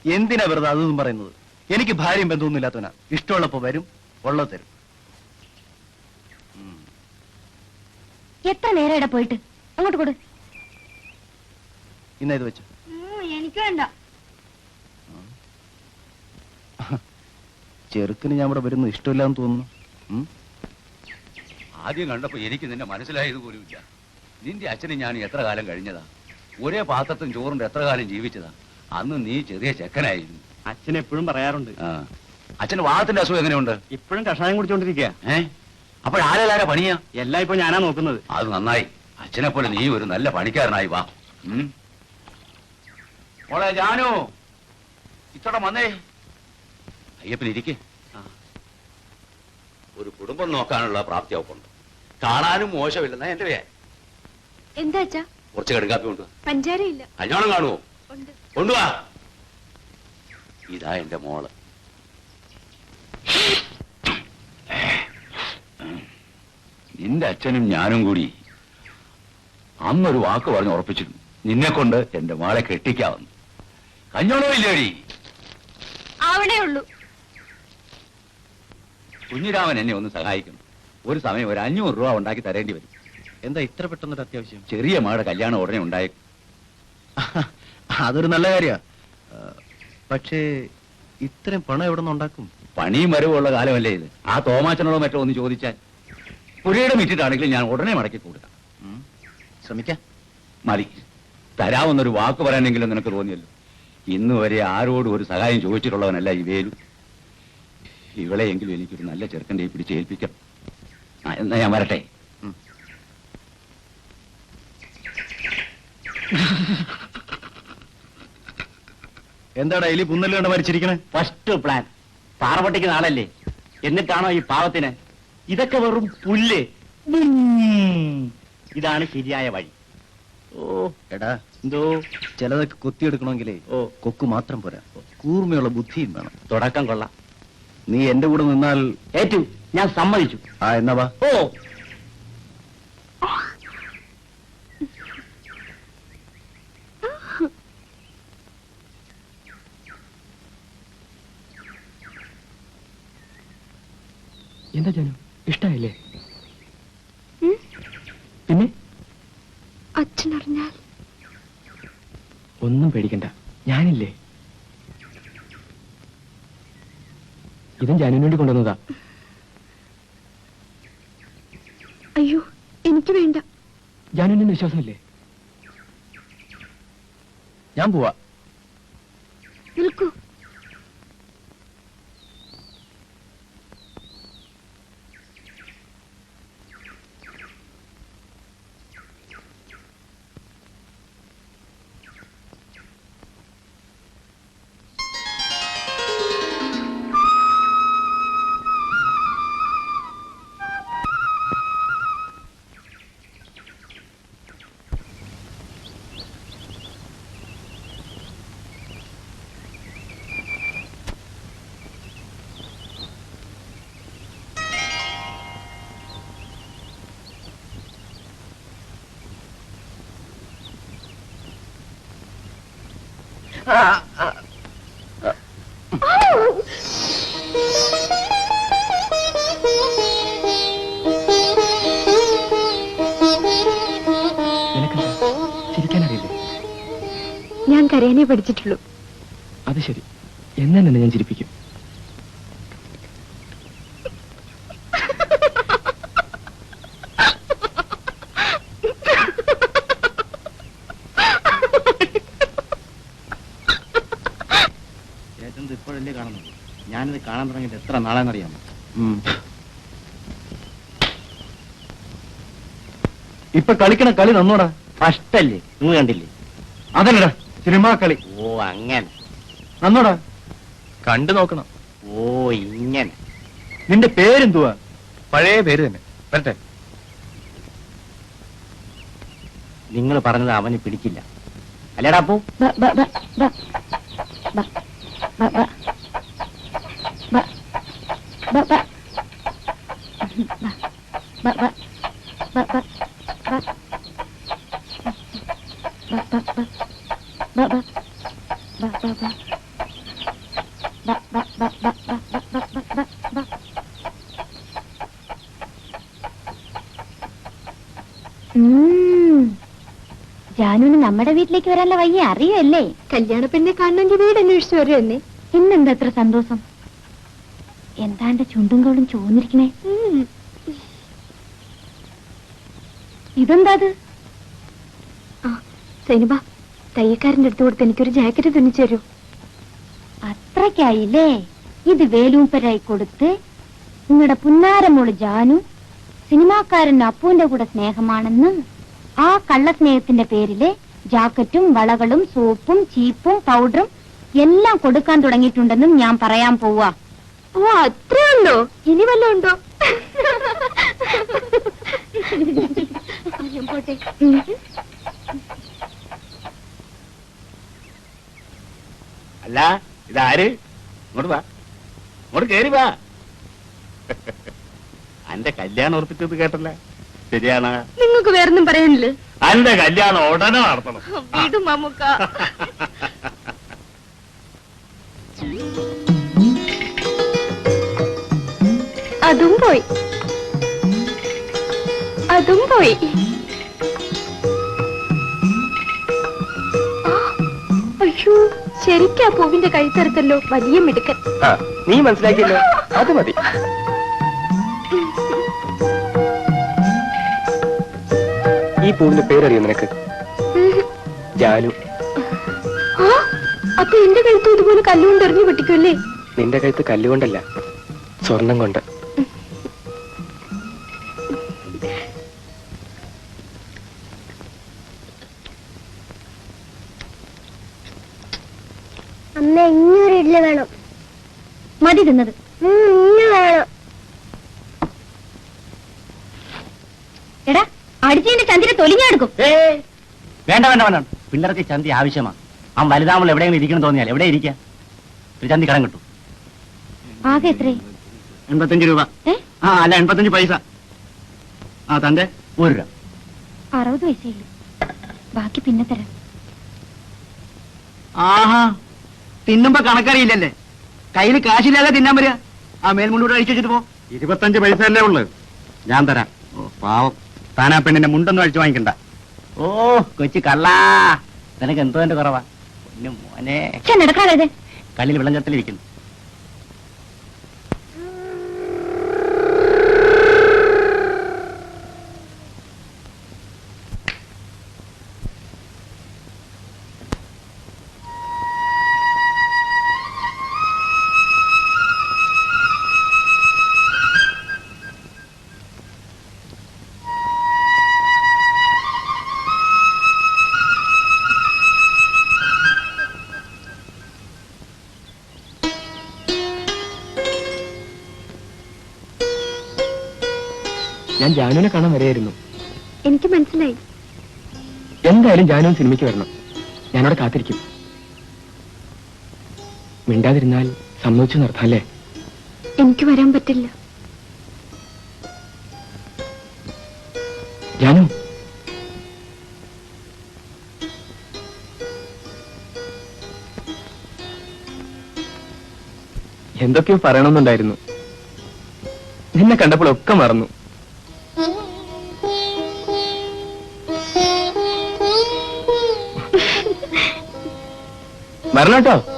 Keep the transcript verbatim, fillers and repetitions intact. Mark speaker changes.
Speaker 1: എന്തിനാ വെറുതെ അതൊന്നും പറയുന്നത്? എനിക്ക് ഭാര്യയും ബന്ധമൊന്നും ഇല്ലാത്തവനാ. ഇഷ്ടമുള്ളപ്പോ വരും, ഉള്ളത് തരും.
Speaker 2: എത്ര നേരം പോയിട്ട് അങ്ങോട്ട് കൊടു.
Speaker 1: ഇന്ന ഇത് വെച്ചു.
Speaker 2: എനിക്ക് വേണ്ട.
Speaker 1: ചെറുക്കിന് ഞാൻ ഇവിടെ വരുന്നു ഇഷ്ടമില്ലാന്ന് തോന്നുന്നു.
Speaker 3: ആദ്യം കണ്ടപ്പോ എനിക്ക് നിന്നെ മനസ്സിലായത് പോലുമില്ല. നിന്റെ അച്ഛനും ഞാൻ എത്ര കാലം കഴിഞ്ഞതാ, ഒരേ പാത്രത്തും ചോറിന്റെ എത്ര കാലം ജീവിച്ചതാ. അന്ന് നീ ചെറിയ ചെക്കനായിരുന്നു.
Speaker 4: അച്ഛൻ എപ്പോഴും പറയാറുണ്ട്.
Speaker 3: അച്ഛന് വാദത്തിന്റെ അസുഖം എങ്ങനെയുണ്ട്?
Speaker 4: ഇപ്പോഴും കഷായം കുടിച്ചോണ്ടിരിക്കുക.
Speaker 3: ഏ അപ്പോഴാരാ പണിയാ?
Speaker 4: എല്ലാം ഇപ്പൊ ഞാനാ നോക്കുന്നത്.
Speaker 3: അത് നന്നായി. അച്ഛനെ പോലെ നീ ഒരു നല്ല പണിക്കാരനായി വാ. മോളെ ജാനു, ഇത്തോടെ വന്നേ. അയ്യപ്പനിരിക്കെ. ഒരു കുടുംബം നോക്കാനുള്ള പ്രാപ്തി അവക്കുണ്ട്. കാണാനും മോശമില്ലെന്നാ എന്റെ പേര്.
Speaker 2: എന്താ അച്ഛാ?
Speaker 3: കുറച്ച് കടുകാപ്പി കൊണ്ടുവാ.
Speaker 2: പഞ്ചാരയില്ല.
Speaker 3: കല്യാണം കാണുവോ? കൊണ്ടുവാ. ഇതാ എന്റെ മോള്. നിന്റെ അച്ഛനും ഞാനും കൂടി അന്നൊരു വാക്ക് പറഞ്ഞ് ഉറപ്പിച്ചിരുന്നു, നിന്നെ കൊണ്ട് എന്റെ മോളെ കെട്ടിക്കാവുന്നു. കല്യാണവും ഇല്ലേടി?
Speaker 2: അവിടെ ഉള്ളൂ.
Speaker 3: കുഞ്ഞിരാമൻ എന്നെ ഒന്ന് സഹായിക്കണം. ഒരു സമയം ഒരു അഞ്ഞൂറ് രൂപ ഉണ്ടാക്കി തരേണ്ടി വരും.
Speaker 1: എന്താ ഇത്ര പെട്ടെന്നൊരു അത്യാവശ്യം?
Speaker 3: ചെറിയ മകളുടെ കല്യാണം ഉടനെ ഉണ്ടായേക്കും.
Speaker 1: അതൊരു നല്ല കാര്യ. പക്ഷേ ഇത്രയും പണം എവിടെ നിന്ന് ഉണ്ടാക്കും?
Speaker 3: പണിയും വരവുള്ള കാലമല്ലേ ഇത്. ആ തോമാച്ചനോടോ മറ്റോ ഒന്ന് ചോദിച്ചാൽ. പുരയുടെ മിറ്റിട്ടാണെങ്കിലും ഞാൻ ഉടനെ മടക്കി കൊടുക്കാം.
Speaker 1: ശ്രമിക്കാം.
Speaker 3: മതി. തരാമെന്നൊരു വാക്ക് പറയാനെങ്കിലും നിനക്ക് തോന്നിയല്ലോ. ഇന്ന് വരെ ആരോടും ഒരു സഹായം ചോദിച്ചിട്ടുള്ളവനല്ല ഈ വേലു. ഇവളെയെങ്കിലും എനിക്കൊരു നല്ല ചെറുക്കൻ്റെ പിടിച്ച് ഏൽപ്പിക്കാം. എന്നാ ഞാൻ വരട്ടെ.
Speaker 1: എന്താടാ എലി പുന്നല് കണ്ട് മരിച്ചിരിക്കണേ?
Speaker 4: First plan. പാറവട്ടിക്ക് നാളല്ലേ, എന്നിട്ടാണോ ഈ പാവത്തിന്? ഇതൊക്കെ വെറും പുല്ല്. ഇതാണ് ശരിയായ വഴി.
Speaker 1: ഓ എടാ,
Speaker 4: എന്തോ
Speaker 1: ചിലതൊക്കെ കൊത്തിയെടുക്കണമെങ്കിലേ ഓ കൊക്ക് മാത്രം പോരാ, കൂർമ്മയുള്ള ബുദ്ധിയും വേണം.
Speaker 4: തുടക്കം കൊള്ളാം.
Speaker 1: നീ എന്റെ കൂടെ നിന്നാൽ
Speaker 4: ഏറ്റു, ഞാൻ സമ്മതിച്ചു.
Speaker 1: ആ എന്നാ വാ.
Speaker 4: ഓ എന്താ ജാനു, ഇഷ്ടായില്ലേ? പിന്നെ
Speaker 2: അച്ഛനറിഞ്ഞാൽ?
Speaker 4: ഒന്നും പേടിക്കണ്ട, ഞാനില്ലേ. ഇതും ജാനുവിന് വേണ്ടി കൊണ്ടുവന്നതാ.
Speaker 2: അയ്യോ, എനിക്ക് വേണ്ട.
Speaker 4: ജാനുവിന് വിശ്വാസമില്ലേ?
Speaker 1: ഞാൻ പോവാ.
Speaker 2: നിൽക്കൂ.
Speaker 4: ചിരിക്കാനറിയില്ലേ?
Speaker 2: ഞാൻ കരയാനേ പഠിച്ചിട്ടുള്ളൂ.
Speaker 4: അത് ശരി, എന്നാ തന്നെ ഞാൻ ചിരിപ്പിക്കും. ഇപ്പോഴല്ലേ കാണുന്നത്? ഞാനിത് കാണാൻ തുടങ്ങിയിട്ട് എത്ര നാളാന്നറിയാമോ?
Speaker 1: ഇപ്പൊ കളിക്കണ കളി നന്നോടാ.
Speaker 4: ഫസ്റ്റല്ലേ, നിങ്ങൾ കണ്ടില്ലേ?
Speaker 1: അതല്ലടാ സിനിമാ കളി.
Speaker 4: ഓ അങ്ങനെ
Speaker 1: നന്നോടാ, കണ്ടു നോക്കണം.
Speaker 4: ഓ ഇങ്ങനെ.
Speaker 1: നിന്റെ പേരെന്തുവാ? പഴയ പേര് തന്നെ. വരട്ടെ.
Speaker 4: നിങ്ങൾ പറഞ്ഞത് അവന് പിടിക്കില്ല അല്ലേടാ? പോ.
Speaker 2: ബ, ബ, ബ, ബ, ബ, ബ, ബ, ബ, ബ. ഉം. ജാനുവിന് നമ്മുടെ വീട്ടിലേക്ക് വരാനുള്ള വയ്യ അറിയല്ലേ? കല്യാണ പെണ്ണെ കാണണമെങ്കിൽ വീട് അന്വേഷിച്ചു വരും എന്നെ. ഇന്നെന്താ എത്ര സന്തോഷം? എന്താ എന്റെ ചുണ്ടും കോളും ചോന്നിരിക്കണേ? ഇതെന്താ അത്? ആ സൈനിബ, തയ്യക്കാരന്റെ അടുത്ത് കൊടുത്ത് എനിക്കൊരു ജാക്കറ്റ് തുന്നിച്ചു തരൂ. അത്രയ്ക്കായില്ലേ? ഇത് വേലൂപ്പരായി കൊടുത്ത് നിങ്ങളുടെ പുന്നാരമോള് ജാനു സിനിമാക്കാരൻ അപ്പുവിന്റെ കൂടെ സ്നേഹമാണെന്ന് ആ കള്ള സ്നേഹത്തിന്റെ പേരില് ജാക്കറ്റും വളകളും സോപ്പും ചീപ്പും പൗഡറും എല്ലാം കൊടുക്കാൻ തുടങ്ങിയിട്ടുണ്ടെന്നും ഞാൻ പറയാൻ പോവാ. ഓ അത്രേ ഉണ്ടോ? ഇനി വല്ലതും ഉണ്ടോ? പോട്ടെ.
Speaker 4: അല്ല ഇതാര്? ഇങ്ങോട്ട് വാ, ഇങ്ങോട്ട് കേറി വാ. അന്റെ കല്യാണം ഉറപ്പിച്ചത് കേട്ടല്ലേ? ശരിയാണ്.
Speaker 2: നിങ്ങൾക്ക് വേറൊന്നും പറയാനില്ലേ?
Speaker 4: അന്റെ കല്യാണം ഉടനെ നടത്തണം.
Speaker 2: വീടും മമ്മുക്ക. അതും പോയി, അതും പോയി. ആ, അയ്യോ ശരിക്കാ പൂവിന്റെ കഴുത്തറുത്തല്ലോ. വലിയ മിടുക്കൻ.
Speaker 1: നീ മനസ്സിലാക്കിയല്ലോ, അത് മതി. ഈ പൂവിന്റെ പേരറിയോ നിനക്ക്? ജാനു.
Speaker 2: ആ അപ്പൊ എന്റെ കഴുത്ത് ഇതുപോലെ കല്ലുകൊണ്ട് എറിഞ്ഞു പൊട്ടിക്കുമല്ലേ?
Speaker 1: നിന്റെ കഴുത്ത് കല്ലുകൊണ്ടല്ല, സ്വർണം കൊണ്ട്.
Speaker 2: അമ്മ ഇങ്ങൊരു ഇഡ്ഡലി വേണം. മതി തിന്നത്. വേണം. എടാ അടിച്ചതിന്റെ ചന്തിനെ തൊലിഞ്ഞെടുക്കും.
Speaker 4: വേണ്ട വേണ്ട വേണ്ട, പിള്ളേർക്ക് ചന്തി ആവശ്യമാണ്. ആ വലുതാമൾ എവിടെയെങ്കിലും ഇരിക്കണം തോന്നിയാൽ എവിടെ ഇരിക്കാം? ഒരു ചന്തി കടം കിട്ടും.
Speaker 2: ആകെ എത്രേ?
Speaker 4: എൺപത്തഞ്ച് രൂപ. ആ അല്ല എൺപത്തഞ്ച് പൈസ. ആ തന്റെ ഒരു രൂപ.
Speaker 2: അറുപത് പൈസയുള്ളൂ, ബാക്കി പിന്നെ തരാം.
Speaker 1: ആഹാ, തിന്നുമ്പോ കണക്കറിയില്ലല്ലേ? കയ്യിൽ കാശില്ലാതെ തിന്നാൻ വരിക. ആ മേൽമുണ്ടൂടെ അഴിച്ചു വെച്ചിട്ട് പോ.
Speaker 4: ഇരുപത്തഞ്ച് പൈസ അല്ലേ ഉള്ളു, ഞാൻ തരാം. ഓ പാവം, താനാ പെണ്ണിന്റെ മുണ്ടൊന്നും അഴിച്ചു വാങ്ങിക്കണ്ട. ഓ കൊച്ചു കള്ളാ, നിനക്ക് എന്തോ എന്റെ കുറവാ പൊന്നു മോനെ.
Speaker 2: നടക്കാതെ
Speaker 4: കല്ലിൽ വിളഞ്ഞത്തിലിരിക്കുന്നു.
Speaker 1: ഞാൻ ജാനുവിനെ കാണാൻ വരെയായിരുന്നു.
Speaker 2: എനിക്ക് മനസ്സിലായി.
Speaker 1: എന്തായാലും ജാനുവിൻ സിനിമയ്ക്ക് വരണം. ഞാനവിടെ കാത്തിരിക്കും. മിണ്ടാതിരുന്നാൽ സമ്മതിച്ചു നിർത്താല്ലേ?
Speaker 2: എനിക്ക് വരാൻ പറ്റില്ല.
Speaker 1: ജാനു, എന്തൊക്കെയോ പറയണമെന്നുണ്ടായിരുന്നു. നിന്നെ കണ്ടപ്പോഴൊക്കെ മറന്നു. വരണം കേട്ടോ.